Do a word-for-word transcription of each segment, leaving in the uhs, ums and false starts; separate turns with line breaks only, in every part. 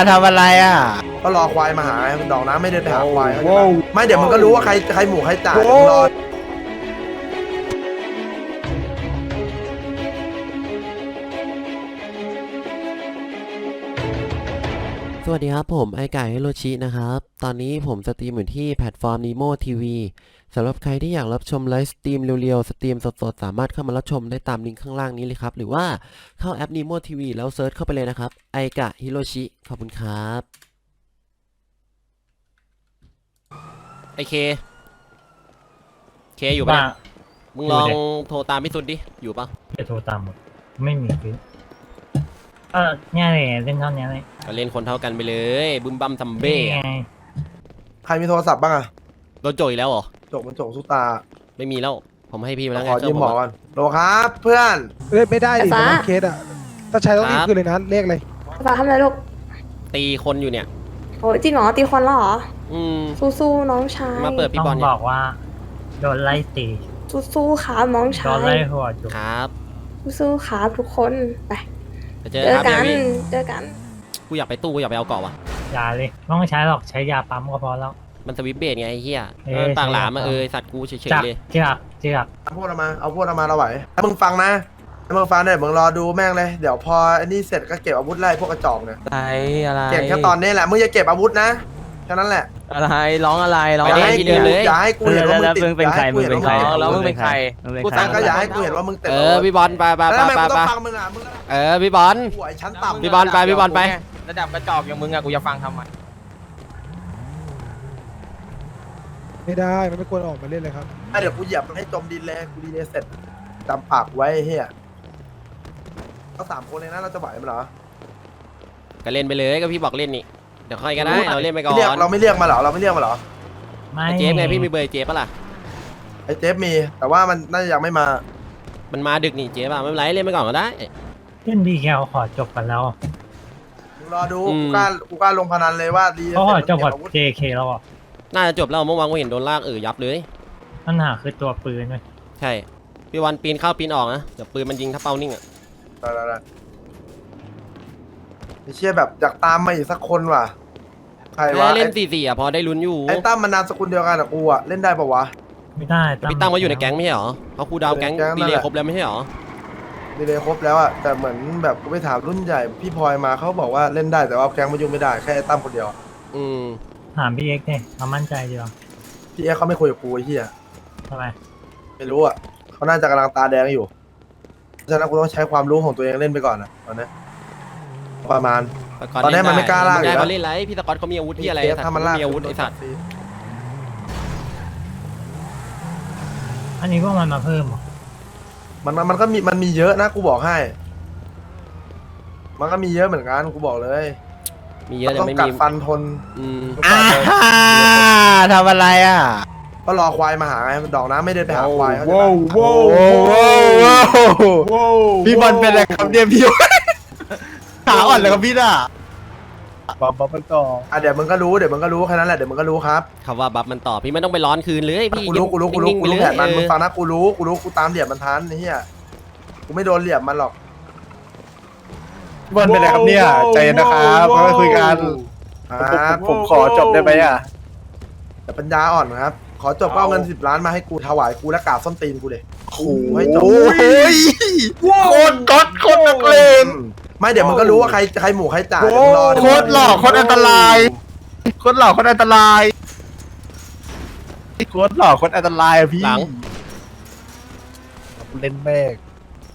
ทำอะไรอ่ะ
ก็รอควายมาหามันดอกน้ำไม่เดินไปหาควายไม่เดี๋ยวมันก็รู้ว่าใครใครหมูใครจ่ายมึงรอ
สวัสดีครับผมไอไก่ฮิโรชินะครับตอนนี้ผมสตรีมอยู่ที่แพลตฟอร์ม Nemo ที วี สำหรับใครที่อยากรับชมไลฟ์สตรีมเร็วๆสตรีมสดๆสามารถเข้ามารับชมได้ตามลิงก์ข้างล่างนี้เลยครับหรือว่าเข้าแอป Nemo ที วี แล้วเซิร์ชเข้าไปเลยนะครับไอกะฮิโรชิขอบคุณครับไอเคเคอยู่ปะมึงลองโทรตามพี่สุดดิอยู่ปะ
จะโทรตามหมดไม่มีคือเออเนี่ยเลยเล่นเท่านี้เลย
ก็เล่นคนเท่ากันไปเลยบึมบัมซัมเบ้
ใครมีโทรศัพท์บ้างอะ
โดนโจยอีกแล้วเหรอ
โจกมันโจกสุตา
ไม่มีแล้วผมให้พี่มาแล้วไง
ขอยืมหมอกันโหลครับเพื่อน
เล่นไม่ได้ดิมันเคสอะถ้าใช้ต้องรีบคืนเลยนะเลขเลย
ฟ้าทำอะไรลูก
ตีคนอยู่เนี่ย
โอ้จริงเหรอตีคนแล้วเหรอ
อืม
สู้ๆน้องชาย
มาเปิดพี่บอล
บอกว่าโดนไล่ตี
สู้ๆครับน้องชาย
โดนไล่หัวจุก
ครับ
สู้ๆครับทุกคนไป
เจอกัน
เจอกัน
กูอยากไปตู้กูอยากไปเอาเกาะว่ะ
ยาเลยไม่ต้องใช้หรอกใช้ยาปั๊มก็พอแล้ว
มันสวิปเบสไงไอ้เหี้ยปากหลามมาเออสัตว์กูเฉยๆเลย
เจือกเจือก
เอาพวกเรามาเอาพวกเรามาเราไหวถ้ามึงฟังนะถ้ามึงฟังเนี่ยมึงรอดูแม่งเลยเดี๋ยวพออันนี้เสร็จก็เก็บอาวุธไล่พวกกระจอกเนี่ย
อะไรอะไร
เก็บแค่ตอนนี้แหละมึงอย่าเก็บอาวุธนะแค่นั้นแหละ
อะไรร้องอะไรร้อง
อย่าให้กูอย่าให้กูเห็นว่ามึงติด
มึงเป็นใครมึงเป็นใครแล้วมึงเป็นใคร
กูตั้งก็อย่าให้กูเห็นว่ามึงติด
เออพี่บอลไปไปไปไปไปเออพี่บอล
หัวชั้นต่ำ
พี่บอลไปพี่บอลไประ
ดับกระจอกอย่างมึงอะกูจะฟังทำไม
ไม่ได้มันไม่ควรออกมาเล่นเลยครับ
เดี๋ยวกูเหยียบให้จมดินเลยกูดีเลยเสร็จจำปากไว้เฮียก็สามคนเลยนะเราจะไหวมั้ยเหรอ
ก็เล่นไปเลยก็พี่บอกเล่นนี่เดี๋ยวค่อยก็ได้เราเล่นไปก่อน
เราไม่เรียกมาเหรอเราไม่เรียกมาเหรอ
ไม่เจฟไงพี่มีเบอร์เจฟปะล่ะ
ไอเจฟมีแต่ว่ามันน่าจะยังไม่มา
มันมาดึกนี่เจฟอะไม่เป็นไรเล่นไปก่อนก็ได้
เล่นดีแคลขอจบกันแล้ว
รอดูกูกล้ากูกล้าลงพนันเลยว่าดี
เขาขอจบกับ เจ เค แล้วอ่ะ
น่าจะจบแล้วเมื่อวานกูเห็นโดนลากเออยับเลย
ปัญหาคือตัวปืนเลย
ใช่พี่วันปีนเข้าปีนออกนะเดี๋ยวปืนมันยิงถ้าเป้านิ่งอ่ะ
ได้ได้ได้ไอเชี่ยแบบอยากตามมาอีกสักคนว่ะใครวะ
เล่นสี่สี่อ่ะพอได้ลุ้นอยู่
ไอ้ตั้มมันนามสกุลเดียวกันกับกูอ่ะเล่นได้ปะวะ
ไม่ได้
พี่ตั้มมาอยู่ในแก๊งไม่ใช่หรอเขาคูดาวแก๊งดีเลยครบแล้วไม่ใช่หรอ
ดีเลยครบแล้วอ่ะแต่เหมือนแบบกูไปถามรุ่นใหญ่พี่พลอยมาเขาบอกว่าเล่นได้แต่ว่าแก๊งมายุ่งไม่ได้แค่ไอ้ตั้มคนเดียว
อืม
ถามพี่เอ็กซ์เนี่ยเขามั่นใจดีหรอ
พี่เอ็กซ์เขาไม่คุยกับกูไอ้เหี้ย
ทำไม
ไม่รู้อ่ะเขาน่าจะกำลังตาแดงอยู่ฉะนั้นกูต้องใช้ความรู้ของตัวเองเล่นไปก่อนนะตอนนี้ประมาณตอนนี้มันไม่กล้าล่าอยู่
แล้วเล่นไรพี่ตะกอนเขามีอาวุธที่อะไร
ถ้ามันล่า
มีอาวุธไอ้สัตว์
อันนี้พวกมันมาเพิ่ม
มันมันก็มีมันมีเยอะนะกูบอกให้มันก็มีเยอะเหมือนกันกูบอกเลย
มีเยอะแต่ไม่มี
ต้องกัดฟันทน
อืม
ทำอะไรอ่ะ
ก็รอควายมาหาไงดอกน้ำไม่เดินไปหาควายเขาจะ
พี่บอลเป็นอะไรครับเนี่ยพี่ขาอ่อนเลยครับพี่น่ะ
บัฟบัฟมันต่อ
อ่ะเดี๋ยวมึงก็รู้เดี๋ยวมึงก็รู้แค่นั้นแหละเดี๋ยวมึงก็รู้ครับ
คำว่าบัฟมันต่อพี่ไม่ต้องไปร้อนคืนเลยพี่
กูรู้กูรู้กูรู้กูรู้แผนมันมึงฟังนะกูรู้กูรู้กูตามเหลี่ยมมันทันนี่เฮียกูไม่โดนเหลี่ยมมันหรอก
พี่บอลเป็นอะไรครับเนี่ยใจนะครับมาคุยกันผมขอจบได้ไหมอ่ะ
แต่ปัญญาอ่อนครับขอจบก็เอาเงินสิบล้านมาให้กูถวายกูและกราบส้นตีนกูเลย
โอ้ยโคตรก๊อตโคตรนักเลง
ไม่เดี๋ยวมึงก็รู้ว่าใครใครหมูใครจ่าย
โคตรหล่อโคตรอันตรายโคตรหล่อโคตรอันตรายโคตรหล่อโคตรอันตรายพี่เล่นแม่ง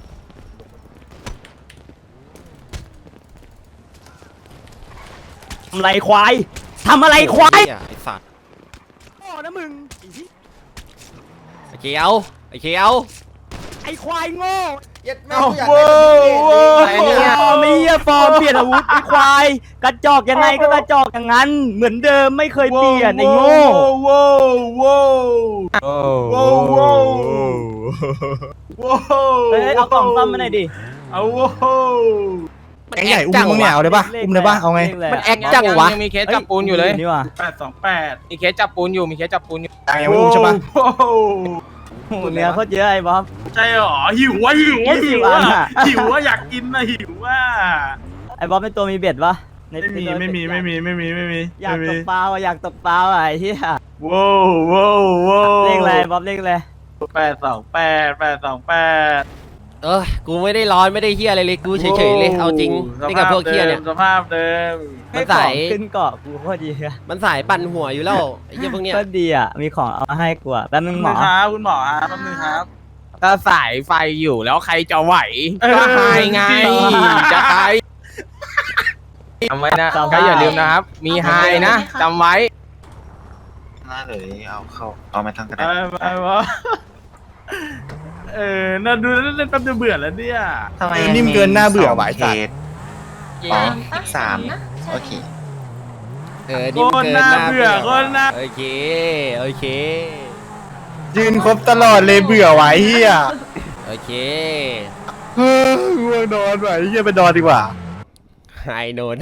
ทำไรควายทำอะไรควาย
ไอ้สัตว์
โอ้นะมึง
ไอ้เขียวไอ้เขียว
ไอ้ควายโง่
ยัดแม่
งอยากได้เนี่ยไม่เหี้ยฟอร์มเปลี่ยนอาวุธไอ้ควายกระจอกยังไงก็กระจอกอย่างนั้นเหมือนเดิมไม่เคยเปลี่ยนไอ้โง่
ว้าวว้าวว้าวว้าวว้าว
เฮ้ยเอากล่องซ่อมมาหน่อยดิ
เอาว้าว
แกใหญ่อุ้มมึงเนี่ยเอาเลยป่ะอุ้มเลยป่ะเอาไง
มันแอคจังวะ
ยังมีเคสจับปูนอยู่เลย
นี่ว่ะแปดสองแปด
มีเคสจับปูนอยู่มีเคสจับปูนอยู่
ยังอุ้มใช่ป่ะ
เนื้อโคตรเยอะไอ้บ๊อบ
ใช่หรอหิววะหิววะหิววะหิววะอยากกินนะหิววะ
ไอ้บ๊อบเป็นตัวมีเบ็ดปะใน
ไม่มีไม่มีไม่มีไม่มีไม่มี
อยาก
ไม่
ต
มี
บเปล่าอะอยากตบเปล่าอะไอ้เหี้ย
ว้าวว้าวว้าว
เลขอะไรบ๊อบเลขอะไร
แปดสองแปดแปดสองแปด
เออกูไม่ได้ร้อนไม่ได้เฮียอะไรเลยกูเฉยๆเลยเอาจริงนี่กับพวกเฮียเนี่ย
สภาพเดิม
มันสาย
ให้ของขึ้นเกาะกูโคตรดีอะ
มันสายปั่นหัวอยู่แล้วไอ้เฮียพวกเนี้ย
ก็ดีอ่ะมีของเอามาให้กูอ่ะแป๊บนึงหมอ
ครับคุณหมอครับแป๊บนึงครับ
ถ้าสายไฟอยู่แล้วใครจะไหว
เออ
ก็หายไง จะใครจำไว้นะก็อย่าลืมนะครับ มีไฮนะจำไว้
น่าเลยเอาเข้าเอามาทั้งกระ
ไป
ดาษ
ไปวะเออน่าดูแล้วเล่นแป๊บเดียวเบื่อแล้วเนี่ย
ทำไม
นิ่มเกินหน้าเบื่อหวาย
เค
สัตว์
สอ๋อสามโอเค
เออ
โค
นี่มัน
ตร
เกิน
น่า
หน้า
เบื่อโคตรน่า
โอเคโอเค
ยืนครบตลอดเลยเบื่อไหวเฮีย
โอเค
เฮ้ยง่วงนอนไหวเฮียไปนอนดีกว่า
ไฮโนน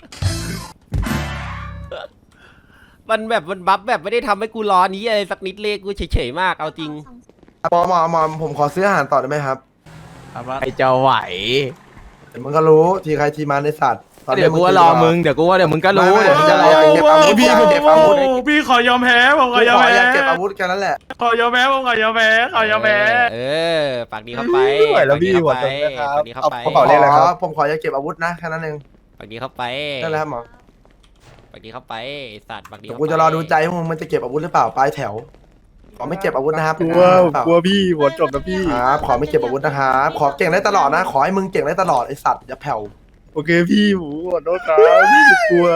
มันแบบมันบัฟแบบไม่ได้ทำให้กูร้อนนี้อะไรสักนิดเลยกูเฉยๆมากเอาจริง
หมอหมอหมอผมขอซื้ออาหารต่อได้ไหมครับ
ใครจะไหว
เดี๋ยวมึงก็รู้ทีใครทีมันในสัตว์ตอนนี้
เดี๋ยวกูว่ารอมึง เดี๋ยวกูว่าเดี๋ยวมึงก็รู้
ไม่ไม่
เดี๋ยวมึงจะรอ
เก็บอาวุธพี่เก็บอาวุธ
โโหพี่ขอยอมแพ้ผมข
กู
อยอม
ขอ
แพ้
อยากเก็บอาวุธแค่นั้นแหละ
ขอยอมแพ้ผมขอยอมแพ้ขอยอมแพ้
เออปากดีเข้าไป
ไม่ไหวแล้วพี่
ปากดี
หัว
เข้า
จ
ไป
นนะครับ
ปากดีเข้าไป
กระเป๋าเลขอะไรครับผมขออยากเก็บอาวุธนะแค่นั้นเอง
ปากดีเข้าไป
นั่นแหละครับหมอ
ปากดีเข้าไปไอ้สัตว์ปากดี
เดี๋ยว
เข้าไป
กูจะรอดูใจว่ามึงมันจะเก็บอาวุธหรือเปล่าปลายแถวขอไม่เก็บอาวุธนะครับ
กลัวกลัวพี่หัวจบนะพี่
ครับขอไม่เก็บอาวุธนะครับขอเก่งได้ตลอดนะ ขอให้มึงเก่งได้ตลอดไอสัตว์อย่าแผ่ว
โอเคพี่หมูขอโทษครับพี่กลัว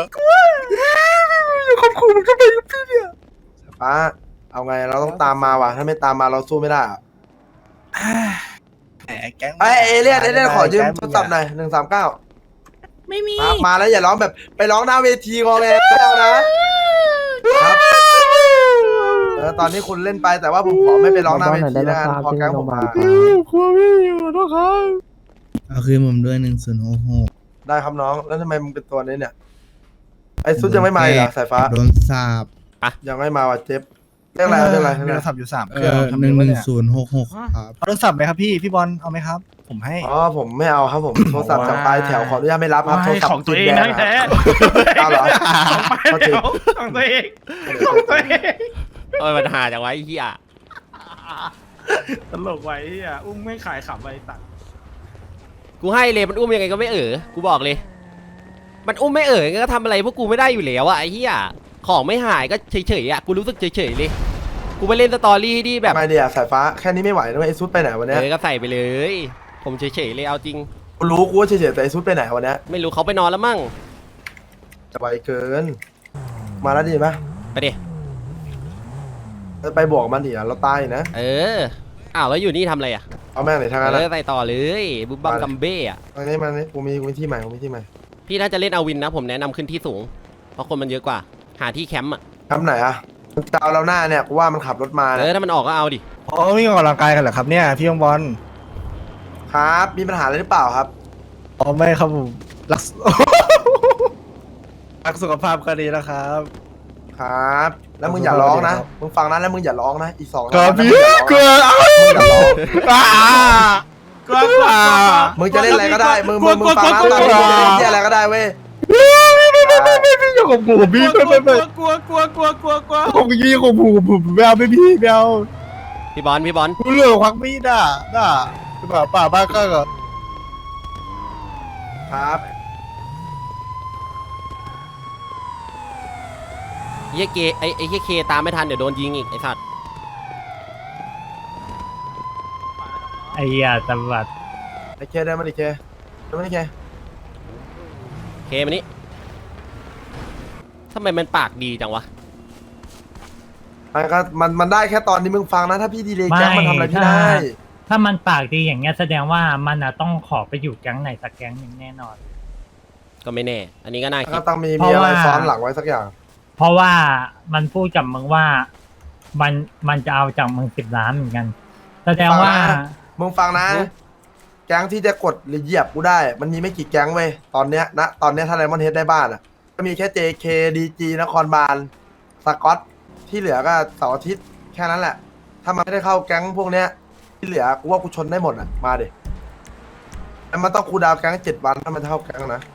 ป้าเอาไงเราต้องตามมาว่ะถ้าไม่ตามมาเราสู้ไม่ได้อะ
แหมแก๊ง
ไอยเอเลี่ยนเอเลี่ยนขอยืมโทรศัพท์หน่อยหนึ่งสามเก้า
ไม่มี
มาแล้วอย่าร้องแบบไปร้องหน้าเวทีงอแงไม่เอานะครับเออตอนนี้คุณเล่นไปแต่ว่าผมขอไม่ไปร้องหน้าเวทีนะพอแก๊งผมมา
กลัวพี่ขอโทษครับ
เอาคืนผมด้วยหนึ่งศูนย์หกหก
ได้ครับน้องแล้วทำไมมึงเป็นตัวนี้เนี่ยไอซุดยังไม่มาอีกเหรอสายฟ้า
โดนสาบ
ยังไม่มาว่ะเจ็บเรื่องอะไรเรื่องอะไร
มี
เรื่อง
โท
อะไร
รศัพท์อยู่สาม
เอ
เครื่อง
อ
ทำ
ห
ได้
นึ่ง
ปะ
หนึ่ง
เนี่ย
ศูนย์หกหกครับ
เอาโทรศัพท์ไหมครับพี่พี่บอลเอาไหมครับ ผมให้
อ๋อผมไม่เอาครับผมโทรศัพท์จากปลายแถวขออนุญาตไม่รับครับโทรศัพท์
ของตัวเอง
ติด
นะ
แด
แท้
เอาเหรอ
ของไปเดี๋ยวของตัวเองของตัวเอง
เออมันหาจากไว้ไอ้เฮีย
ตลกไว้ที่อ่ะอุ้มไม่ขายขำไปตัด
กูให้เลยมันอุ้มยังไงก็ไม่เออกูบอกเลย มันอุ้มไม่เออก็ทำอะไรพวกกูไม่ได้อยู่แล้วอะไอ้เหี้ยของไม่หายก็เฉยๆอะกูรู้สึกเฉยๆเลยกูไปเล่นสตอรี่ที่แบบ
ไม่เดียสายฟ้าแค่นี้ไม่ไหวนะเว้ยไอซุดไปไหนวัน
เอ
เนี้ย
อก็ใส่ไปเลย ผมเฉยๆเลยเอาจริง
กูรู้กูว่าเฉยๆแต่ไอซุดไปไหนวันเนี้ย
ไม่รู้เขาไปนอนแล้วมั่ง
จะไวเกิน มาแล้วดีไหม
ไปดิ
ไปบวกมันดิอ่ะเราตายนะ
เอออ้าวแล้วอยู่นี่ทำอะไรอะ
เอาแม่งไหนทางนั้น
เอ
นะ
อใส่ต่อเลยบุบบัมกัมเบ้อะ
ตรงนี้มานี่กูมีกูมีที่ใหม่กูมีที่ใหม่
พี่น่าจะเล่นเอาวินนะผมแนะนำขึ้นที่สูงเพราะคนมันเยอะกว่าหาที่แคมป์อะ
ทำไหนอ่ะมันจะเอาเราหน้าเนี่ยกูว่ามันขับรถมา
เอ
เนี่ย
อถ้ามันออกก็เอาดิ
อ๋อมีออกกำลังกายกันเหรอครับเนี่ยพี่ยงบอล
ครับมีปัญหาอะไรหรือเปล่าครับ
อ๋อไม่ครับผมรัก รักสุขภาพก็ดีนะครับ
ครับ แล้วมึงอย่าร้องนะมึงฟังนะแล้วมึงอย่าร้องนะอีกสอง
ครับ
นะ
พี่
มึงอย่าร้อง
กลัว
มึงอย่าร้อง
อ่าก
ลัวกลัว
มึงจะเล่นอะไรก็ได้มึงมึงมึงฟังนะตอนนี้มึงจะเล่นที่อะไรก็ได้เว้ย
พี่อย่าข่มขู่ผมพี่ไม่ไม่ไม่
กลัวกลัวกลัวกลัวกลัว
ผมยี่ข่มขู่ผมไม่เอาไม่พี่ไม่เอา
พี่บอลพี่บอล
กูเลือกควักมีดอ่ะน่ะป่าป่าบ้าก็เหรอ
ครับ
เฮียเกไอไอเฮียเคตามไม่ทันเดี๋ยวโดนยิงอีกไอสัตว์
ไอ้เหี้ยตำรวจ
ไอเคได้มาดิเคได้มาดิเค
เคมานี่ทำไมมันปากดีจังวะ
มันก็มันมันได้แค่ตอนนี้มึงฟังนะถ้าพี่ดีเลยแก๊งมันทำอะไรพี่
ถ้า
ได้
ถ้ามันปากดีอย่างเงี้ยแสดงว่ามันอะต้องขอไปอยู่แก๊งไหนสักแก๊งหนึ่งแน่นอน
ก็ไม่แน่ อันนี้ก็น่าคิ
ก็
ด
ต้องมี
เพ
มี
ราะ
อะไร
ว่า
ซ้อนหลังไว้สักอย่าง
เพราะว่ามันพูดกับมึงว่ามันมันจะเอาจากมึงสิบล้านเหมือนกัน แสดงว่า
มึงฟังนะ แก๊งที่จะกดหรือเหยียบกูได้ มันมีไม่กี่แก๊งเว้ยตอนเนี้ยนะตอนเนี้ยถ้าไดมอนด์เฮดได้บ้านอ่ะก็มีแค่ เจ เค ดี จี นครบาลสกอตที่เหลือก็เสาร์อาทิตย์แค่นั้นแหละ ถ้ามันไม่ได้เข้าแก๊งพวกเนี้ยที่เหลือกูว่ากูชนได้หมดอ่ะมาดิแต่มันต้องคูลดาวน์แก๊งเจ็ดวันถ้ามันจะเข้าแก๊งนะ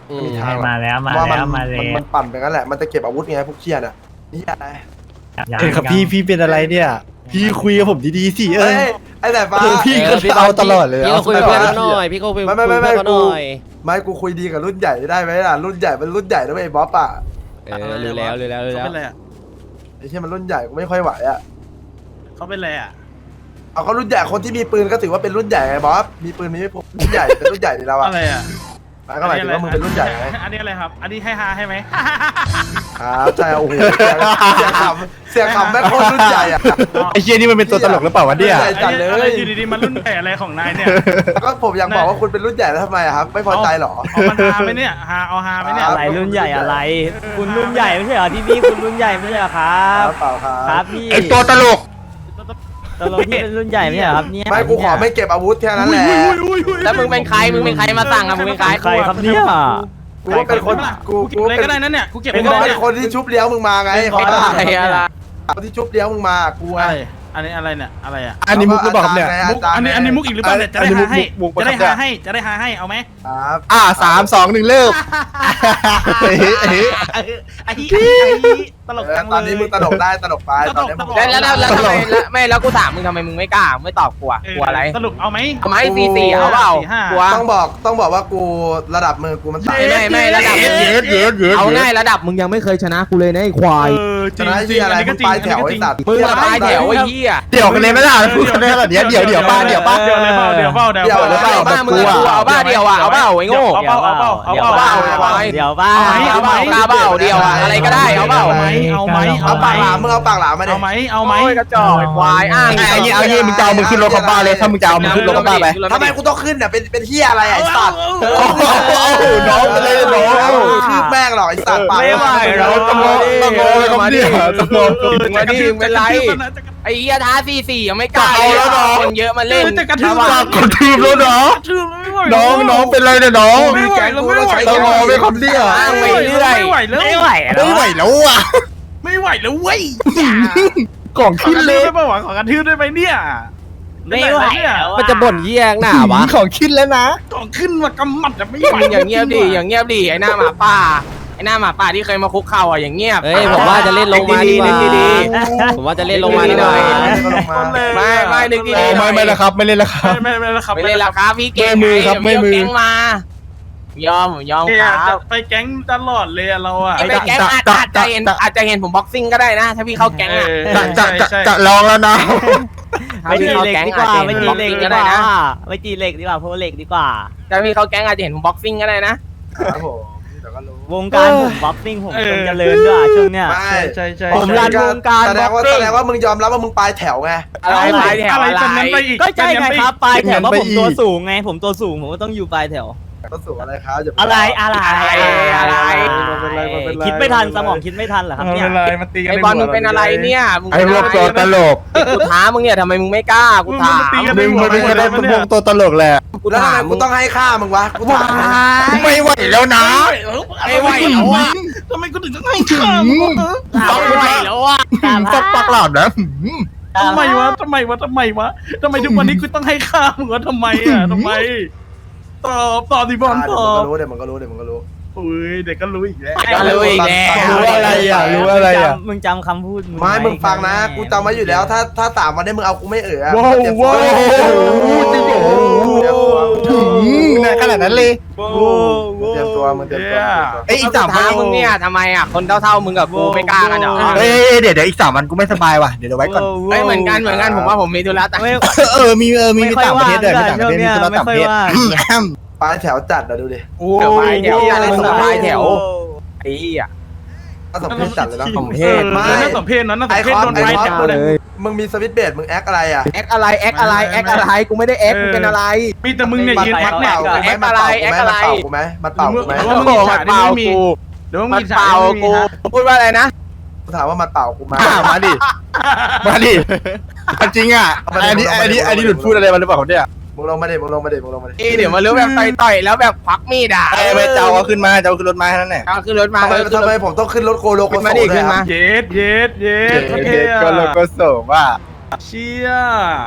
อืม
มีทางหรอก
มาแล้วมา
ว่ามัน
แล้วมาแล้
มัน
ว
มันปั่นไปงั้นแหละ มันจะเก็บอาวุธไงพวกเคียนอ่ะนี่อะไร
ยัง
เอ้ยครับ
ยัง
พี่พี่เป็นอะไรเนี่ย พี่คุยกับผมดีๆสิเอ้
เอ้
ย
ยไอ้แต่ฟ้า
เออพี่ก็เอาตลอดเลย
พี่ก็คุยกับเพื่อนเขาหน่อยพี่ก็คุย
ไม่
คุย
ไม่
กับ
ไม่
เพื่อนเขาห
ไม่กู
น่อย
ไม่กูคุยดีกับรุ่นใหญ่ได้ไหมล่ะรุ่นใหญ่เป็นรุ่นใหญ่นะเว้ยไอ้บ๊อบอ่ะ
เออรู้แล้วรู้แล้วรู้
เขา
แล้ว
เป็นอะไรอ่ะ
ไอ้เช่ยมันรุ่นใหญ่กูไม่ค่อยไหวอ่ะ
เขาเป็นอะไรอ่ะ
เอาเขารุ่นใหญ่คนที่มีปืนก็ถือว่าเป็นรุ่นใหญ่ไงบ๊อบมีปืนมีไม่พกรุ่นใหญ่เป็นรุ่นใหญ่ดีแล้วอ่ะ
อะไรอ่ะ
หมายก็หมายถึงว่ามึงเป็นรุ่นใหญ่ไง
อันนี้อะไรครับ อันนี้ให้ฮาให้ไหม
ครับใช่โอ้โหเสียงขำเสียงขำแม่งโคตรรุ่นใหญ่อ่ะ
ไอ้เชี่ยนี่มันเป็นตัวตลกหรือเปล่าวะเนี่ย
ใหญ่จัดเลย
อะไรอยู่ดีๆมันรุ่นใหญ่อะไรของนายเนี่ย
ก็ผมอยากบอกว่าคุณเป็นรุ่นใหญ่แล้วทำไมอะครับ ไม่พอใจเหรอ
เอามันฮาไหมเนี่ยฮาเอาฮาไหมเนี่ย
อะไรรุ่นใหญ่อะไร คุณรุ่นใหญ่ไม่ใช่เหรอที่นี่คุณรุ่นใหญ่ไม่ใช่เหรอครั
ครับ บเปล่าครั
ครับ บพี่
ไอ้ตัวตลก
ตกลงที่เป็นรุ่นใหญ่ไม่ใช่เหรอครับเนี่ย
ไม่กูขอไม่เก็บอาวุธแค่นั้นแหละ
แล้วมึงเป็นใครมึงเป็นใครมาสั่งอะมึงเป็นใคร
ใครครับเนี่ย
กูว่าเป็นคนกู
กู
กู
เก็บอะไร
เป็
ก็
น
ได้นั่นเนี่ยกูเก็บ
กู
อะไรก็
ว่า
ได้
เป็น
เนี่ย
คนที่ชุบเลี้ยวมึงมาไงเขา
อะไรอะไร
คนที่ชุบเลี้ยวมึงมากูไง
อะไรอันนี้อะไรเนี่ยอะไรอ่ะ
อันนี้มุกหรือเปล่าครับเนี่ย
มุกอันนี้อันนี้มุกอีกหรือเปล่าเนี่ยจะได้หาให้จะได้หาให้จะได้หาให้เอาไหม
ครับ
อ่าสามสองหนึ่งเลิกเฮ้ยเฮ้ย
ไอ้ไอ้ตลกจังเลย
ตอนนี้มึงตลกได้ตลกไปตอนนี้มึง
แล้วแล้วแล้วแล้วทำไมแล้วไม่แล้วกูถามมึงทำไมมึงไม่กล้าไม่ตอบกูอะกลัวอะไร
สรุปเอาไหม
ทำไมสี่สี่เอาเปล่า
สี่ห้า
กลัว
ต้องบอกต้องบอกว่ากูระดับมือกูมันต่ำ
ไม่ไม่ไม่ระดับ
เยอะเยอะเยอะ
เอาง่ายระดับมึงยังไม่เคยชนะกูเลยนะไอ้ควาย
เออจ
ช
ริง
นะ
จริ
ที่
ง
อะไร
อันนี้
มึ
ก็
ง
จริง
ปลายแถวไอ้สัตว์
มึงละปลายแถวไอ้เหี้ย
เดี๋ยวกันเลยไม่ได้พูดกันได้แบบเนี้ยเดี๋ยวเดี๋ยวป้าเดี๋ยวป้า
เดี๋ยวเลยเปล่าเดี๋ยวเปล่าเดี๋ยว
เดี๋ยว
เปล่า
เดี๋ยว
เอาบ้ามึงอะเอาบ้าเดียวอะเอาบ้าไอ้โง่
เอาเปล่าเอาเปล่าเอา
เดี๋ยว
เป
เป
ล่า
ล่า
เอา
เดี๋ยวเปล่า
เอาไหมเอาเปล่ากล้าเปล่าเดียวอะอะไรก็ได้เอาเปล่า
เอาไหมเอาไหม
เอาปากหลามมึงเอาปากหลามมาดิ
เอาไหมเอาไหม
โอ้ยกระจอกไอ้ควายอ้าง
ไอ้เงี้ยเอาเงี้ยมึงจะเอามึงขึ้นรถคอมบ้าเลยถ้ามึงจะเอามึงขึ้นรถคอมบ้าไป
ทำไมกูต้องขึ้นเนี่ยเป็นเป็นเฮียอะไรไอ้สัตว์
โอ้โหน้องไปเลยน้อง
คือแม่งหรอกไอ้สัตว์ปาก
ไม่ไหว
เราต้องงอต้องงอเลยครับเนี่ยต้องงอ
มึงมาดิมึงเป็นไรไอ้เหี้ยท้าสี่สี่ยังไม่กล้า
เอาแล้วเหรอ
คนเยอะมาเล่น
จะกระทืบ
ฝากกดทีมแล้วเนาะ
ทืบไม่ไหว
น้องน้องเป็นไรเนี่ยน้อง
ไม่ไหวแล้วไม่ไหว
ต้องงอไม่คำเดียว
อ้างไปเรื่อย
ไม่ไหวแล้ว
ไม่ไหวแล้ว
ไม่ไหวแล้วอ่ะ
ไม่ไหวแล้วเว้ย
กล่อง
ขอ
ขึ้น
กระ
เล
ทืบ
ย
ได้ป่าวะขอกระทืบได้ไหมเนี่ย
ไม่ไหวแล้ว
มันจะบ่นเยี่ยงหน้าวะ
ของขึ้นแล้วนะ
ของขึ้นมากำมัดอะไม่ไหว
มึงอย่างเงียบดิอย่างเงียบดิไอ้หน้าหมาป่าไอ้หน้าหมาป่าที่เคยมาคุกเข่าอ่ะอย่างเงียบ
เฮ้ยผมว่าจะเล่นลงมาดีกว่า
นึกดี
ผมว่าจะเล่นลงมาดีกว่า
ไม่ไม่นึกดี
โอ้ไม่ไม่แล้วครับ ไม่เล่นแล้วครับ
ไม่ไม่ไม่แล้วครับ
ไม่เล่นละครับพี่เก่ง
ไม่มือครับไม่มือ
เดี๋ยวพี่เาแก๊งมา ยอมยอม
เนี่ย
ครับ
ไปแก๊งตลอดเลยอะเราอะ
ไอ้ไปแก๊งอาจอาจจะเห็นอาจจะเห็นผมบ็อกซิ่งก็ได้นะ ถ้าพี่เข้าแก๊งอ่ะ
จะจะจะจะลองแล้วนะ
ถ้า
ไม่
พี่
จี
เข้า
เหล็ก
แก๊ง
ดีก
อาจ
ว่า
จะเห็
ไม่
น
จี
บ็อก
เหล็ก
ซิ่ง
ดี
ก็
ก
ได้
ว่า
นะ
ไม่จีเหล็กดีกว่าเพราะเหล็กดีกว่า
ถ้าพี่เข้าแก๊งอาจจะเห็นผมบ็อกซิ่งก็ได้นะ
ครับผมเดี๋ยวก็รู้
วงการผมบ็อกซิ่งผมจนเจริญด้วยช่วงเนี้ย
ไม่
ใช่ใช่
ผมรันวงการ
แสดงว่า
boxing
แสดงว่ามึงยอมรับว่ามึงปลายแถวไง
อะไรปลายแถว
อะไร
อะไร
จนนั้นไปอีก
ก็ใช่ไงครับปลายแถวเพราะผม
เป็นเงินไปอีก
ตัวสูงไง ผมตัวสูงผมก็ต้องอยู่ปลายแถว
ก็สู่อะไรครับอย่าป
อะไรอะไร
อะไร
คิดไม่ทันสมองคิดไม่ทันเหรอครับ
ไม่
เนี่ย
เป็นไรมาตีกัน
ไอ้บอลมึงเป็นอะไรเนี่ยมึง
ไอ้พวกตัวตลก
กูท้ามึงเนี่ยทำไมมึงไม่กล้ากูถาม
มึงมันเป็นคนได้พวกตัวตลกแหละ
กู
แล้วทำ
ถา
ไม
ม
กูต้องให้ค่ามึงวะกูถาม
ไม่ไหวแล้วนะ
ไม่ไหวแล้วอะทำไมกูถึงต้องให้ข้ามวะ
ไม่ไหวแล้วอ่ะ
ฟักปักหลาบนะ
ทำไมวะทำไมวะทำไมวะทำไมทุกวันนี้กูต้องให้ข้ามมึงวะทำไมอะทำไมตอบตอบดิบอลตอบ
รู้เดี๋ยวมันก็รู้เดี๋ยวมันก็รู้
อุ้ยเด็กก็รู้อีกแล้ว
ก็รู้อีกแล้ว
รู้อะไรอ่ะรู้อะไรอ่ะ
มึงจำคำพูด
ไม่มึงฟังนะ กูจำไว้อยู่แล้ว ถ้าถ้าสามวันนี้มึงเอากูไม่เอ๋อ
ว้าว
เจ็บ
ว้าว
จริงเหรอเตรียมตัว
ขนาดนั้นเลย
เตรียมตัวมึงเตรียมตัว
ไอ้อีกสาม
ท้ามึงเนี่ยทำไมอ่ะคนเท่าๆมึงกับกูไม่กล้ากันเหรอ
เอ้ยเดี๋ยวเดี๋ยวอีกสามวันกูไม่สบายว่ะเดี๋ยวเดี๋ยวไว้ก่อน
เฮ้ยเหมือนกันเหมือนกันผมว่าผมมีธุระแต่
ไม่
เออมีเออมี
ไม่
มี
ค่อย
ต่างประเทศด้วยมี
ว่าง
ต่างประเทศมี
ช่วงเนี้ย
ธุระต่างประเทศ
ไม่ค่อยว่าง
ปลายแถวจัดนะดูดิ
โอ้
เดี๋ยวไปเดี๋ยว
โอ้
อะไร
ย
สบายแถวไอ้อ่ะ
น่าสมเพชจัดเลยนะ
สมเพศ
ไม่น่าสมเพศนะน่าส
ไอ
มเพ
ค
ศ
อน
โดน
ไอ
ไป
คอน
แถว
มึง
เลย
มึงมีสวิตช์เบรดมึงแอคอะไรอ่ะ
แอคอะไรแอคอะไรแอคอะไรกูไม่ได้แอคกูเป็นอะไร
มีแต่มึงเนี่ยยืนพัก
มั
เนี่ย
เป่ากูไหม
แอคอะไรแอคอะไร
มันเป่ากูไหมมันเป่ากูไหม
หรือว่ามึงมีฉากที่ไม่มีหรือว่ามึง
มัน
มีฉาก
เป่า
ที่ไม่มี
กู
ฮะ
พูดว่าอะไรนะ
กูถามว่ามันเป่ากูไหม
มาดิมาดิจริงอ่ะอันนี้อันนี้อันนี้หลุดพูดอะไรมาหรือเปล่าเนี่ย
มึงลงมาดิมึงลงมาดิมึงลงมาดิ
เดี๋ยวมาเรื่องแบบต่อยๆแล้วแบบควักมีดอ่ะ
ไอ้ไปเจ้าเอาขึ้นมาเจ้าขึ้นรถมาแค่นั้นแหละ
เอาขึ้นรถมา
ทำไมทำไมผมต้องขึ้นรถโกโลโก
ขึ้น
โซ
มาดิ
ด้ว
ขึ้
ย
นมา
อะ
เย็ดเย็ดเย็ดโอเค
เด็ก
อะ
ก็โลโก้โสว่า
เชี่ย
ไม่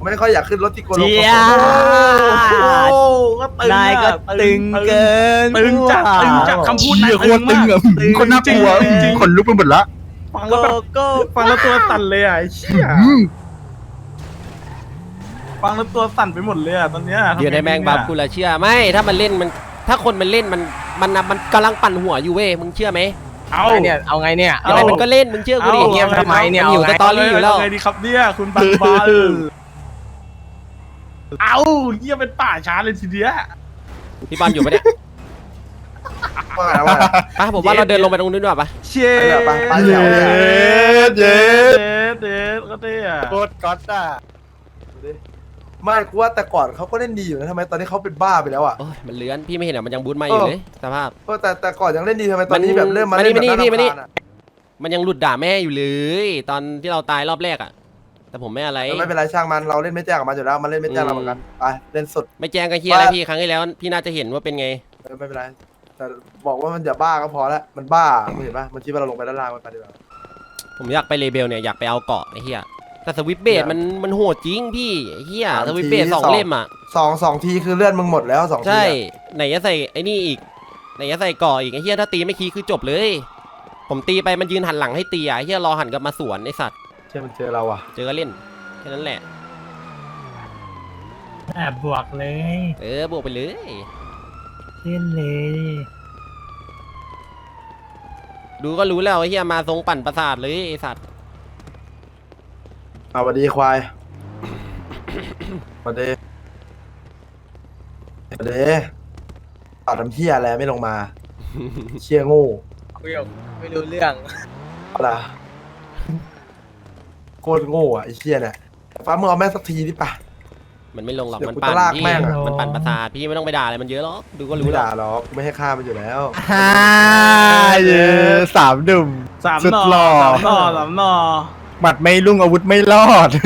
ไม่ค่อยอยากขึ้นรถที่โกโล
เจี
โก
ย
โอ้ก็ตึง
นายก็
อะ
ตึงเกิน
ตึงจัดตึงจัดคำพูด
เชี่
นาย
ยโคตรตึงอะ
ตึง
คนน่ากลัว
จริงๆ
ขนลุกไปหมดละ
ฟัง
โก
แล้วแบบ
โก้
ฟังแล้วตัวสั่นเลยอ่ะไอ้เชี่ย
อืม
ฟังแล้วตัวสั่นไปหมดเลยอ่ะตอนเนี้ย
เดี๋ยวในแมงบับกูละเชื่อไม่ถ้ามันเล่นมันถ้าคนมันเล่นมันมันน่ะมันกำลังปั่นหัวอยู่เว้ยมึงเชื่อไหม
เอา
ไอเนี่ยเอาไงเนี่ย
ยังไงมันก็เล่นมึงเชื่อกูดิ
เงียบทำไมเนี่ย
มันอยู่
เอาไง
สตอรี่อยู่แล้ว
เาไงดีครับเนี่ยคุณบังบอลเอาเยี่ยเป็นป่าช้าเลยทีเดียว
พี่บอลอยู่ปะเนี่ย
ว่าไงว่าไง
อ่ะผมว่าเราเดินลงไปตรงนู้นดีกว่าปะ
เชี่ย
ไปไปไปแถวเนี่ย
เย็ด
เด็ดเด็ดก็เท่อะ
โคตรก๊อตอ่ะ
ไม่กูว่าแต่ก่อนเขาก็เล่นดีอยู่นะทำไมตอนนี้เขาเป็นบ้าไปแล้วอ่ะ
โอ้ยมันเลื้อนพี่ไม่เห็นเหรอมันยังบูทมาอยู่เลยสภาพ
เออแต่แต่ก่อนยังเล่นดีทำไมตอนนี้แบบเริ่มมา
มานี่
เล่นแบบ
มานี่
น่ารำ
มานี่
คาญอะ
มันยังหลุดด่าแม่อยู่เลย ตอนที่เราตายรอบแรกอ่ะ แต่ผมไม่อะไร
แต่ไม่เป็นไรช่างมันเราเล่นไม่แจ้งกับมันอยู่แล้วมันเล่นไม่แจ้งเราเหมือนกันไปเล่นสุด
ไม่แจ้งกันเฮียอะไรพี่ครั้งที่แล้วพี่น่าจะเห็นว่าเป็นไง
เออไม่เป็นไรแต่บอกว่ามันอย่าบ้าก็พอแล้วมันบ้ามึงเห็นปะมันคิดว่าเราลงไปด้านล่างมันไปดีกว่า
ผมอยากไปเลเบลเนี่ยอยากไปเอาเกาะไอ้เฮียแต่สวิปเบดมันมันโหดจริงพี่ไอ้เฮียสวิปเบดสองเล่มอ่ะ
สองสองทีคือเลื่อนมึงหมดแล้วสองที
ใช่
อะ
ไหนจะใส่ไอ้นี่อีกไหนจะใส่เกาะอีกไอ้เฮียถ้าตีไม่คีคือจบเลย ผมตีไปมันยืนหันหลังให้ตีอ่ะไอ้เฮียรอหันกลับมาสวนไอ้สัตว์
เชื่อมันเจอเราอ่ะ
เจอก็เล่นแค่นั้นแหละ
แอบบวกเลย
เออบวกไปเลย
เล่นเลย
ดูก็รู้แล้วไอ้เฮียมาทรงปั่นประสาทเลยไอ้สัตว์
เอาสวัสดีควายสวัสดีสวัสดีตัดทำเที่ยอะไรไม่ลงมา เชี่ยโง่
คุยกับไม่รู้เรื่อง
อะไรโคตรโง่อ่ะไอ้เชี่ยเนี่ยฟ้ามึงเอาแม่งสักทีดิป่ะ
มันไม่ลงหรอก
เดี๋ยว
มัน
กู
ปั่น
จะลาก
พี่
แม่งอะ
มันปั่นประสาทพี่ไม่ต้องไปด่าอะไรมันเยอะหรอกดูก็รู้
ไม่
แล้ว
ด่าหรอกกูไม่ให้ฆ่ามันอยู่แล้ว
ฮ่าเย้สามดุ่ม
สาม
สุด
หน่อ
หล่อ
สามหน่อสามหน่อ
หมัดไม่ลุ่งอาวุธไม่รอด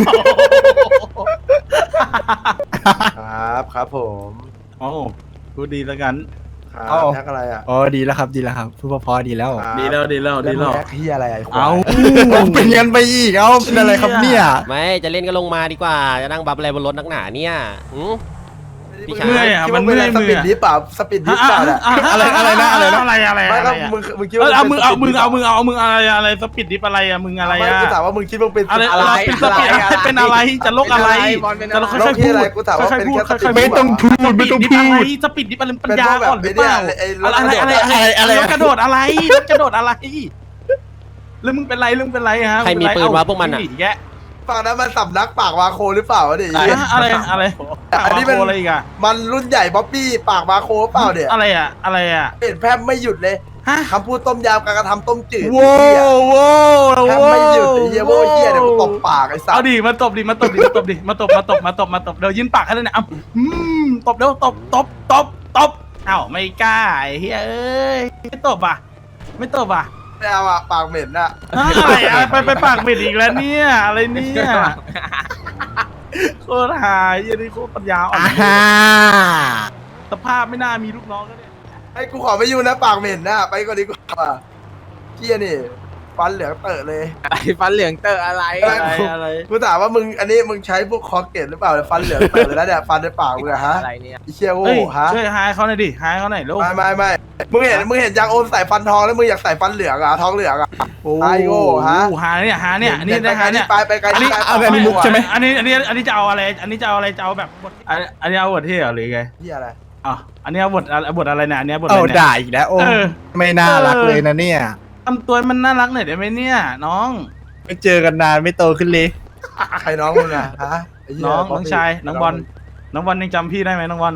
ครับครับผม
โอ้โหพูดดีแล้วกัน
ครับ
เอา
แท็กอะไรอ่ะ
อ๋อดีแล้วครับดีแล้วครับพูดเพอๆดีแล้ว
ครับ
ดีแล้วดีแล้วดีแล้ว
แท็กที่อะไรไอ้ควาย
เอา
เป็นกันไปอีกเอ้าเป็นอะไรครับเนี่ย
ไม่จะเล่นก็ลงมาดีกว่าจะนั่งบับอะไรบนรถนักหนาเนี่ยหืม พี่ชาย
เมื่อยอ่ะ
คิด
มั
ว่าน มึง
เมื่อย
ส
มื
ปี
อ
ด
อะ
ดิฟเปล่าสปีดดิฟเปล่าเนี่ย
อะไรอะไรนะอะไรนะ
อะไรอะไร
ไม่
อะไร
ก็
อะ
มึงมึงคิด
เอ
ว่า
อเอามึงเอา
ป็
มึ
น
งเอามึงเอามึงอะไรอะไรสปิดดิฟอะไรอะมึงอะไร
ไม่
อะ
กูถามว่ามึงคิดว่าเป็น
อะไร
อะไร
อะไรเป็นสปิดอะไรเป็นอะไรจะโลกอะไร
บอลเป็น
จะ
อะไร
โลก
โลกที่อะไรกูถามว่า
ค่อย
เป็น
ๆพูด
แค่
ค่อยๆ
ไม่ต้องพูด
ส
ไม่
ปิด
ต้อง
ดิฟ
พู
อะไร
ด
สปิดดิฟอะไรปัญ
เป็น
ญา
พวกแบบ
อ่อนหรือเปล่า
ไอ้เนี่ย
อะไรอะไรอะไรอะไรกระโดดอะไรกระโดดอะไรแล้วมึงเป็นไรมึงเป็นไรฮะ
ใครมีปืนวะพวกมันอะ
หแก
ฝั่งนั้นมันสำนักปากวาโคหรือเปล่าวะเนี่ย
อะไรอะไร
อันนี้เป็น
อะไรอีกอะ
มันรุ่นใหญ่บ๊อบบี้ปากวาโคเปล่าเนี่ย
อะไรอะอะไรอะ
เห็นแพมไม่หยุดเลย
ฮะ
คำพูดต้มยำการกระทำต้มจืด
โว้
ไอ้เหี้ย
โว้
แพมไม่หยุดไอ้เหี้ยโว้เหี้ยเดี๋ยวกูตบปากไอ้สั
เอา
ส
ดิมาตบดิมาตบดิมาตบดิมาตบมาตบมาตบมาตบเดี๋ยวยินปากให้เลยเนี่ยอ่ะอืมตบเร็วตบตบตบตบเอ้าไม่กล้าไอ้เฮ้ยเอ้ยไม่ตบอ่ะไม่ตบอ่ะ
ไม่เอาอะปากเหม็นอะ
อะไรอะไปไปปากเบ็ดอีกแล้วเนี่ยอะไรเนี่ยโคตรหายยันนี่โคตรปัญญาอ่อน
อ่า
สภาพไม่น่ามีลูกน้องก็เนี่ย
ไอ้กูขอไม่ยุ่งนะปากเหม็นนะไปก่อนดีกว่าเหี้ยนี่ฟันเหลืองเตอะเลย
อะไรฟันเหลืองเตออะไร
อะไรอะไร
กูถามว่ามึงอันนี้มึงใช้พวกคอเกตหรือเปล่าฟันเหลืองเตอะเลยนะเนี่ยฟันในปากมึงอะฮะ
อะไรเนี่ย
ไอ้เชี่ยโง่
เฮ้ย
ฮะ
ช่วยหายเขาหน่อยดิหายเขาหน่อยลูก
ไม่ไม่ไม่มึงเห็นมึงเห็นยังโอมใส่ฟันทองแล้วมึงอยากใส่ฟันเหลืองอะทองเหลืองอะ ไอ้โง่ฮะ
หาเนี่ยหาเนี่ยอันนี้ได้หาเนี่ย
ไปไปไกล
อันนี้
ไป
เอา
ไป
แบบนี้
มุกใช่ไหม
อันนี้อันนี้อันนี้จะเอาอะไร อันนี้จะเอาอะไรจะเอาแบบบทอันอันนี้เอาบทที่เหรอหรือไง
เหี้ยอะไร
อ๋ออันนี้เอาบทบทอะไรเนี่ยอันนี้บทอะ
เอา
ไรเนี่ย
ด่าอีกแล้วโอ้
เออ
ไม่น่ารักเลยนะเนี่ย
ทำตัวมันน่ารักหน่อยได้ไหมเนี่ยน้อง
ไม่เจอกันนานไม่โตขึ้นเลย
ใครน้องมึงอะฮะไเหี้ย
น้อง
บ
น้
ก
อง
ดิ
ชายน้องบอลน้องบอลยังจำพี่ได้ไหมน้องบอล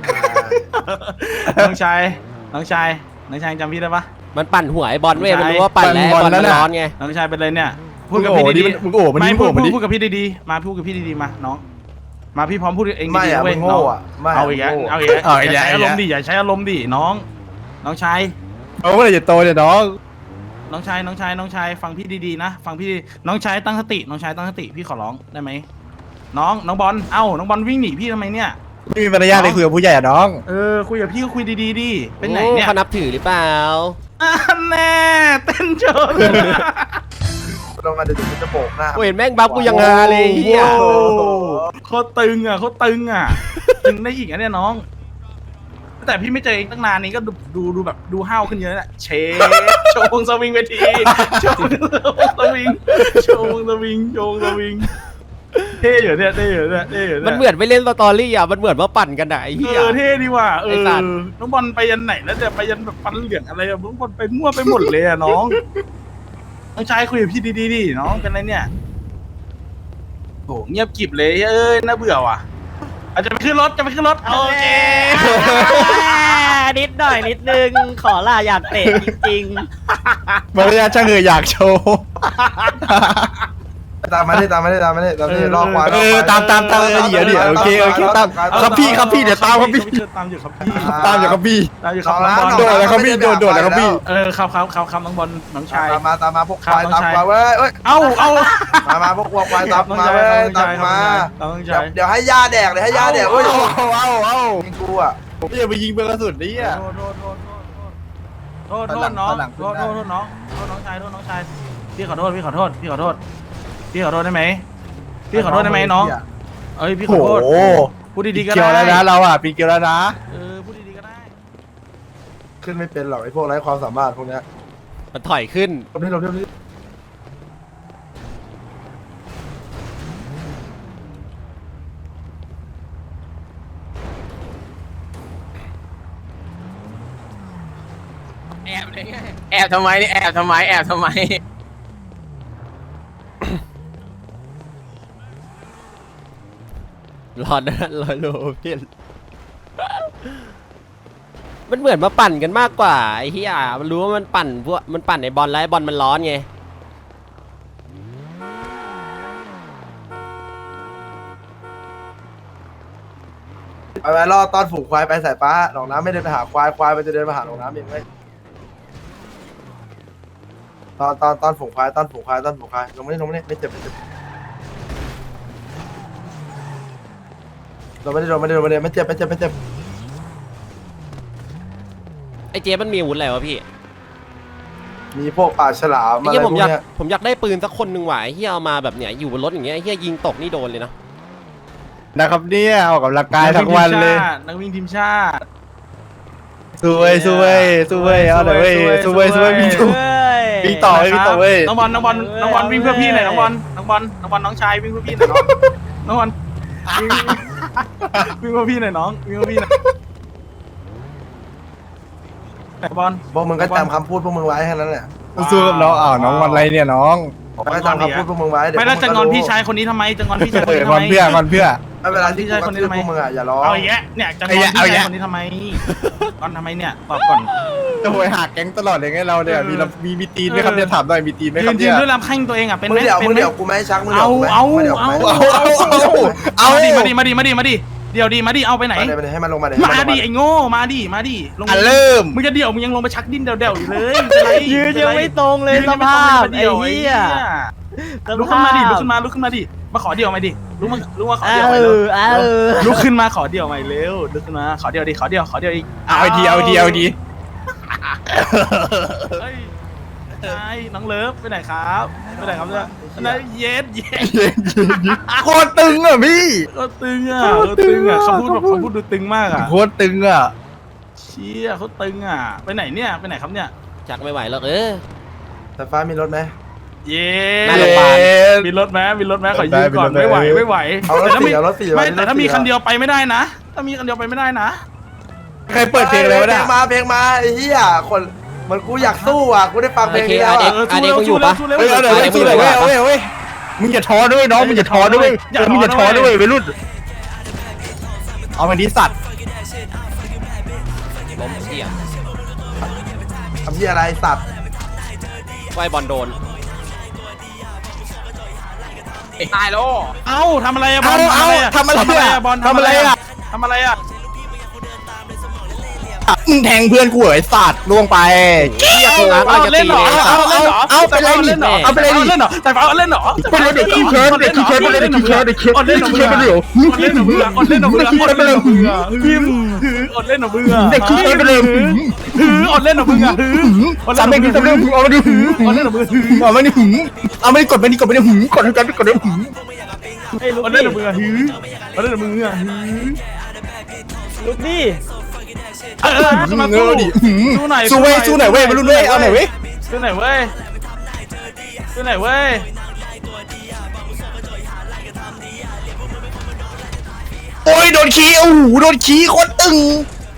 น้องชายน้องชายน้องชายยังจำพี่ได้ปะ
มันปั่นหัวไอ้บอลเว้ย
ใช่
มันรู้ว่าปั่นแล้วไอ้บอลมันร้อนไง
น้องชายเป็นเลยเนี่ยพู
มึ
ด
ง
กับ
โอ้
พี่
ดิ
ดี
มึงโอ้มัน
ๆไม่
นี่
พู
โอ้
ด
มัน
พูด
นี่
พูดกับพี่ดีๆมาพูดกับพี่ดีๆมาน้องมาพี่พร้อมพูดเอง
ไม่
ดี
อะ
ๆเว้
มึ
ย
ง
น้อ
โง่
ง
อะไม่
เอาอีกแล้ว
มึงโง่
เอาอีกแล้วอย่าใช้อารมณ์ดิอย่าใช้อารมณ์ดิน้อง น้องชาย
เอาเมื่อไหร่จะโตเนี่ยน้อง
น้องชายน้องชายน้องชายฟังพี่ดีๆนะฟังพี่น้องชายตั้งสติน้องชายตั้งสติพี่ขอร้องได้ไหมน้องน้องบอลเอ้าน้องบอลวิ่งหนีพี่ทำไมเนี่ย
ไม่มีมารยาทเลยคุยกับผู้ใหญ่อะน้อง
เออคุยกับพี่ก็คุยดีๆดิเป็นไหน
โอ้
เนี่ย
เขานับถือหรือเปล่า
อ่ะแน่เต้นโชว์
ลงมาเดี๋ยวจะโบกหน้า
กูเห็นแม่งบัฟกูยังฮาเลยไอ้เฮีย
โอ้โห
โคตรตึงอ่ะโคตรตึงอ่ะตึงได้อีกอ่ะเนี่ยน้องแต่พี่ไม่เจอเองตั้งนานนี้ก็ดูดูดูแบบดูห้าวขึ้นเยอะแหละเชโชว์วงสวิงเวทีโชว์วงสวิงโชว์วงสวิงโชว์วงสวิงเท่อยู่เนี่ยเท่อยู่เนี่ยเท่อยู่เนี่ย
มันเหมือนไปเล่นสตอรี่อ่ะมันเหมือนว่าปั่นกันอ่ะไอ้เหี้ย
เออเท่ดีว่ะเอ
ไอ้
อ
สัตว์
น้องบอลไปยันไหนแล้วจะไปยันแบบฟันเหลืองอะไรอะน้องบอลไปมั่วไปหมดเลยอะน้องน้องชายคุยกับพี่ดีๆดิน้องเป็นไรเนี่ยโหเงียบกริบเลยเอ้ยน่าเบื่อว่ะอาจจะไปขึ้นรถจะไปขึ้นรถโอเค
นิดหน่อยนิดนึงขอลาอยากเตะจริง
มารยาทช่างเอออยากโชว์
ตามมาดิตามมาดิตามมาดิตามมาดิรอควาย
เออตามตามตามเออเดี๋ยวเดี๋ยวโอเคโอเคตามครับพี่ครับพี่เดี๋ยวตามครับพี่
ตามอยู่ครับพี่
ตามอยู่ครับพี่
ตามอยู่ครับน้องบอล
โดดเลยครับพี่โดดโดดเลยครับพี่
เออครับครับครับครับน้องบอลน้องชาย
ตามมาตามมาพวกควาย
ครับ
ตาม
น้องชาย
ควายเว้ยเอ้ย
เอ้าเอ้า
มามาพวกควายตาม
น้อง
มา
ชาย
เว้ย
น้
ตา
อง
ม
ชาย
มา
น้อง
เดี๋ย
ชา
วย เดี๋ยวให้ย่าแดกเดี๋ยวให้ย่าแดกเว้ย
เอาเอาเอา
ยิงกูอ่ะ
ผมอย่าไปยิงเบอร์กระสุนนี่อ่ะ
โทษโทษโทษโทษโทษโทษน้องโทษโทษโทษน้องโทษน้องชายโทษน้องชายพี่ขอโทษพี่ขอโทษพี่ขอโทษพี่ขอโทษได้ไหมพี่ขอโทษได้ไหมน้องเอ้ยพี่ข
โอ้
อโทษ
โห
พูดดีๆก็
เกี่ยว
ได้
แล้วนะเราอ่ะปีเกี่ยวแล้วนะ
เออพูดดีๆก็ได้
ขึ้นไม่เป็นหรอกไอ้พวกไร้ความสามารถพวกเนี้ย
มันถอยขึ้น
ลบนี่ลบนี่ลบนี่
แอบเลยไงแอบทำไมเนี่ยแอบทำไมแอบทำไม
รอนะรอโลพี่มันเหมือนมาปั่นกันมากกว่าไอ้เหี้ยมันรู้ว่ามันปั่นพวกมันปั่นในบอลแล้วไอ้บอลมันร้อนไง
ไปไปรอตอนฝูงควายไปสายฟ้าหนองน้ำไม่เดินไปหาควายควายมันจะเดินมาหาหนองน้ำเองเว้ยตอนตอนตอนฝูงควายตอนฝูงควายตอนฝูงควายลงมานี่ลงมานี่ไม่เจ็บไม่เจ็บลงมานี่ลงมานี่ลงมานี่ไม่เจ็บไม่เจ็บไม่เจ็บ
ไอ้เจ๊มันมีอาวุธอะไรวะพี่
มีพวกปลาฉลาม
ไอ้
อะไร
เหี้ย
พ
ผ
ว
ม
ก
อยาก
เนี้ย
ผมอยากได้ปืนสักคนหนึ่งว่ะไอ้เหี้ยเอามาแบบเนี้ยอยู่บนรถอย่างเงี้ยไอ้เหี้ยยิงตกนี่โดนเลยนะ
นะครับเนี่ยออกกำลังกายทั้งวันเลย
นักวิ่งทีมชาติ
สวยสวยสวยเอาเลยเว้ยสวยสวยมีถูก วิ่งต่อเว้ยวิ่งต่อเว้ย
น้องบอลน้องบอลน้องบอลวิ่งเพื่อพี่หน่อยน้องบอลน้องบอลน้องบอลน้องชายวิ่งเพื่อพี่หน่อยน้องน้องบอลวิ่งวิ่งเพื่อพี่หน่อยน้องวิ่งเพื่อพี่หน่อยบอล
พวกมึงก็จำคำพูดพวกมึงไว้แค่นั้นแหละ
สู้กับน้องอ้าวน้องวันอะไรเนี่ยน้อง
ก็จำคำพูดพวกมึงไว้เดี๋ยว
ไม่แล้วจะงอน
พวกมึ
พี่
รู้
ชายคนนี้ทำไมจะงอนพี่ชายคน
เออ
นี้
ง
ทำ
อน
ไม
เพื่อนงอนเพื่อ
ไม่เวลาที่กูกระทืบพวกมึงอ่ะอย่าร้อง
เอาอย่างเงี้ยเนี่ยจะงอน
เอา
พี่
อย่างเงี้
ชาย ยคนนี้ทำไมงอนทำไมเนี่ยตอบก่อน
จะโวยหักแก๊งตลอดเลยไงเราเนี่ยมีลำมีมีตีนไหมครับเนี่ยถามหน่อยมีตีนไหมค
ยื
รับ
นยื
เนี่
น
ย
ด้วยลำแข้งตัวเองอ่ะเป็น
มึ
ไห
ง
ม
เดี๋ยว
เป็
มึ
น
ง
ไหม
เดี๋ยวกูไม่ให้ชักมึงเดี๋ยว
เอา
กูไม่
เอา
มึงเดี๋ยวกู
เอา
ไม่
เอาเอาเอา
มาดิมาดิมาดิมาดิมาดิเดี๋ยวดิมาดิเอาไปไหน
มาดิให้มันลงมาดิ
มาดิไอ้โง่มาดิมาดิลง
อ่ะเริ่ม
มึงจะเดี่ยวมึงยังลงไปชักดิ้นเดี่ยวเดี่ยวอยู่เลยเป็นไร
ยืนยังไม่ตรงเลยสภาพไอ้เหี้ย
ลุกขึ้นมาดิลุกขึ้นมาลุกขึ้นมาดิมาขอเดี่ยวมาดิลุกมาลุกมาขอ
เอ
เดี่ยวมาเร็ว
อเออ
ลุกขึ้นมาขอเดี่ยวมาเร็วลุกขึ้นมาขอเดี่ยวดิขอเดี่ยวขอเดี่ยวอีก
เอาดีเอาดีเอาดี
เฮ้ยใช่น้องเลิฟไปไหนครับไปไหนครับเนี่ยนั่นเย็ดเย็ด
โคตรตึงอ่ะพี่
ก็ตึงอ่ะก็ตึงอ่ะคำพูดแบบคำพูดดูตึงมากอ่ะ
โคตรตึงอ่ะ
เชี่ยเขาตึงอ่ะไปไหนเนี่ยไปไหนครับเนี่ย
จักไม่ไหวหรอกเออ
แต่ฟ้ามีรถไหม
เย้
น่าโรงพยาบาล
มีรถไหมมีรถไหมขอยืมก่อนไม่ไหวไม่ไหว
เอารถ
แต่ถ้า
สี่
มี
เอารถสี่
ไม่แต่ถ้ามีคันเดียวไปไม่ได้นะ ถ้ามีคันเดียวไปไม่ได้นะ
ใครเปิดเพลงอะไรวะ
เพล
เนี่ย
งมาเพลงมาไอ้เหี้ยคนมันกูอยากสู้อ่ะกูได้ฟังเพลงนี้แล้ว
โอเค
อ่ะ
อ่ะเด็ก มึงอยู่ปะ
สู้เร็ว
เฮ้ยเอาเดี๋ยว
เดี๋ยว
สู้เลยเว้ยเว้ยเว้ยมึงอย่าท้อด้วยน้องมึงอย่าท้อด้วย
อย่า
เออมึงอย่า
ท้
ท้
อ
อ
ด้
ด้
ว
วย ยวัยรุ่นเอามาดีสัตว์
ล้มเชี่ย
ทำเหี้ยอะไรสัตว์
ไว้บอลโดน
ตายแล้ว
เอ้าทำอะไรอะบอ
เอา
ล
เอาทำอะไร
ทำอะไร
อ่ะ
อะบอล
ทำอะไรอ่ะ
ทำอะไรอะ
มึงแทงเพื่อนกูเหรอไอ้สัตว์ล่วงไป
เหี้ยโกงอ่ะ
เอา
จะ
เล่
ตี
นเหรอ
เลย
เอาเล่นเหรอ
เอาไปเลย
เล่นเหรอ
เอาไปเลยดิ
เล่นเหรอแต่เอาเล่นเหรอ
เป็นรถเด็กขี้เคิร์ดเด็กขี้เคิร์ดเป็นรถเด็กขี้เคิร์ดเด็กขี้
อดเล่นเหรอ
เคิร์ดเป็นเหรอ
อดเล่นเหรอเบื่ออดเล่นเหรอเบื่ออดเล่นเหรอเบื่อพิมอดเล่นเหรอเบื่อ
เด็กขี้เคิร์ดเป็นเหรอ
หืออดเล่นเหรอเบื่อหือ
สามเด็กที่สามเด็กเอามาดิหื
อดเล่นเหรอเบื่อ
เอามาดิหืเอามาดิกดไปดิกดไปดิหืกดให้กันกดให้หื
เฮ้ยลุก
มัน
ดิ
เล่นกับมึงอะฮือมันเล่นกับมึงอะฮือ
ลุกดิ
เออสู้มาสู้สู้หน่อย
สู้เว้ยสู้หน่อยเว้ยมาลุ้นเว้ยเอาหน่อยเว้ย
สู้หน่อยเว้ยสู้หน่อยเว้ย
โอ้ยโดนขี้โอ้โหโดนขี้โคตรตึง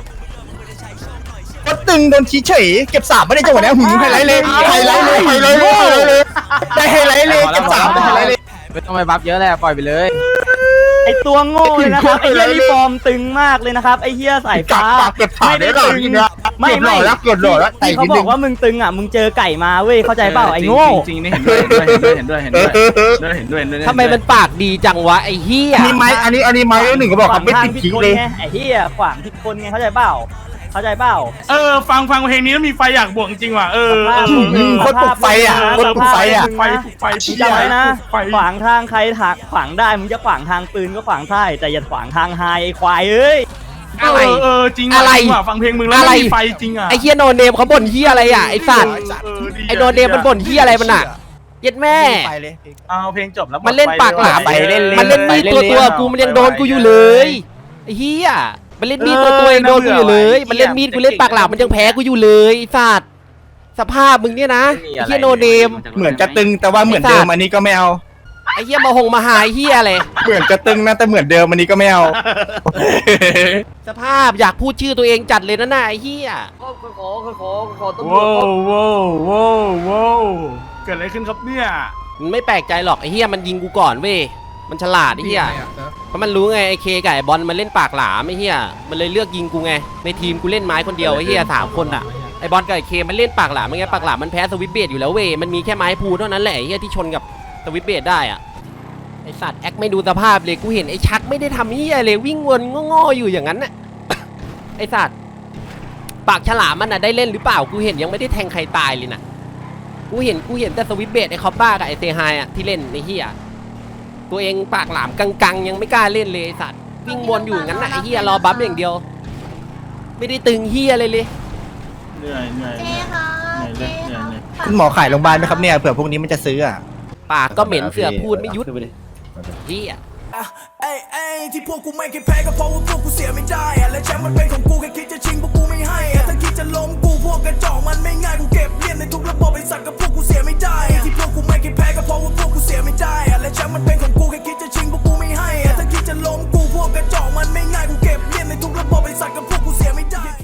โคตรตึงโดนขี้เฉยเก็บสามไม่ได้จังหวะนี้หืมไฮไลท์เลยไฮไลท์เลยไฮไลท์เลยได้ไฮไลท์เลยเก็บสามได้ไฮไลท์เลย
ไม่ต้องไปบัฟเยอะแหละปล่อยไปเลย
ไอตัวโง่เลยนะครับไอเฮียนี่ฟอร์มตึงมากเลยนะครับไอเฮียสายฟ้า
เก็บสาม
ไม่ได้
ได้หรอ
ตึง
จริงๆนะ
ไม่
เก็บหล่
ไม่
อแล้วเก็บหล่อแล้ว
ที่เขาบอกว่ามึงตึงอ่ะมึงเจอไก่มาเว้ยเข้าใจเปล่าไอโง่
จริงๆนี่เห็นด้วยเห็นด้วยเห็นด้วยเห็นด้วยเห็นด้วยเห็นด้วย
ทำไมมันปากดีจังวะไอ้เหี้ย
อันนี้ไม้อันนี้อันนี้ไม้หนึ่งก็บอกครับไม่ติดขี้เลย
ไงไอ้เหี้ยขวางผิดคนไงเข้าใจเปล่าเข้าใจเปล่า
เออฟังฟังเพลงนี้แล้วมีไฟอยากบวกจริงว่ะเออ
โคตรปลุกไฟอ่ะโคตรปลุกไฟอ่ะ
ไฟไฟ
มึงจำไว้นะขวางทางใครถากขวางได้มึงจะขวางทางปืนก็ขวางได้แต่อย่าขวางทางไฮไอ้ควายเอ้ย
เออเออจริงว่ะฟังเพลงมึงแล้วมีไฟจริงอ่ะ
ไอ้เหี้ยโนเนมเขาบ่นเหี้ยอะไรอ่ะไอ้สัตว์ไอ้โนเนมมันบ่นเหี้ยอะไรมันอ่ะเย็ดแม่
เอาเพลงจบแล้ว
มันเล่นปากหลาม
ไปเล่นๆ
มันเล่นมีดตัวตัวกูมันยังโดนกูอยู่เลยไอ้เหี้ยมันเล่นมีดตัวตัวเองโดนกูอยู่เลย มันเล่นมีดกูเล่นปากหลามมันยังแพ้กูอยู่เลยไอ้สัตว์สภาพมึงเนี่ยนะไอ้เหี้ยโนเนม
เหมือนจะตึงแต่ว่าเหมือนเดิมอันนี้ก็ไม่เอา
ไอ้เหี้ยมาหงมาหายเหี้ยอะไร
เหมือนจะตึงนะแต่เหมือนเดิมอันนี้ก็ไม่เอา
สภาพอยากพูดชื่อตัวเองจัดเลยนะน่ะไอ้เหี้ย
ขอขอขอขอตำรว
ว้า
จ
วว้าวว้าวว้าวเกิดอะไรขึ้นครับเนี่ย
มันไม่แปลกใจหรอกไอ้เหี้ยมันยิงกูก่อนเว้ยมันฉลาดไอ้เหี้ยเพราะมันรู้ไงไอ้เคกับไอ้บอลมันเล่นปากหลามไอ้เหี้ยมันเลยเลือกยิงกูไงในทีมกูเล่นไม้คนเดียวไอ้เหี้ยสามคนอ่ะไอ้บอลกับไอ้เคมันเล่นปากหลามไงปากหลามมันแพ้สวิตเบดอยู่แล้วเว้ยมันมีแค่ไม้พูเท่านั้นแหละไอ้เหี้ยที่ชนกับสวิตเบดได้อ่ะไอ้สัตว์แอคไม่ดูสภาพเลยกูเห็นไอ้ชักไม่ได้ทำเหี้ยเลยวิ่งวนง้อๆอยู่อย่างนั้นน่ะ ไอ้สัตว์ปากฉลามมันน่ะได้เล่นหรือเปล่ากูเห็นยังไม่ได้แทงใครตายเลยนะกูเห็นกูเห็นแต่สวิตเบดไอ้คอปบ้ากับไอ้เซฮายอ่ะที่เล่นไอ้เหี้ยตัวเองปากหลามกังๆยังไม่กล้าเล่นเลยไอ้สัตว์วิ่งวนอยู่งั้นน่ะไอ้เหี้ยรอบัฟอย่างเดียว ไม่ได้ตึงเหี้ยอะไรเลย
เหนื่อยเหนื่อยเหนื่อยเหนื่อยเหนื่อยเหนื่อย
คุณหมอขายโรงพยาบาลไหมครับเนี่ยเผื่อพวกนี้มันจะซื้ออ่ะ
ปากก็เหม็นเสือพูดไม่ยุดเหี้ย
เอ้ยเอ้ยที่พวกกูไม่เคยแพ้ก็เพราะว่าพวกกูเสียไม่ได้อะและแชมป์มันเป็นของกูแค่คิดจะชิงพวกกูไม่ให้อะถ้าคิดจะล้มกูพวกกระจอกมันไม่ง่ายกูเก็บเลียนในทุกระบบไป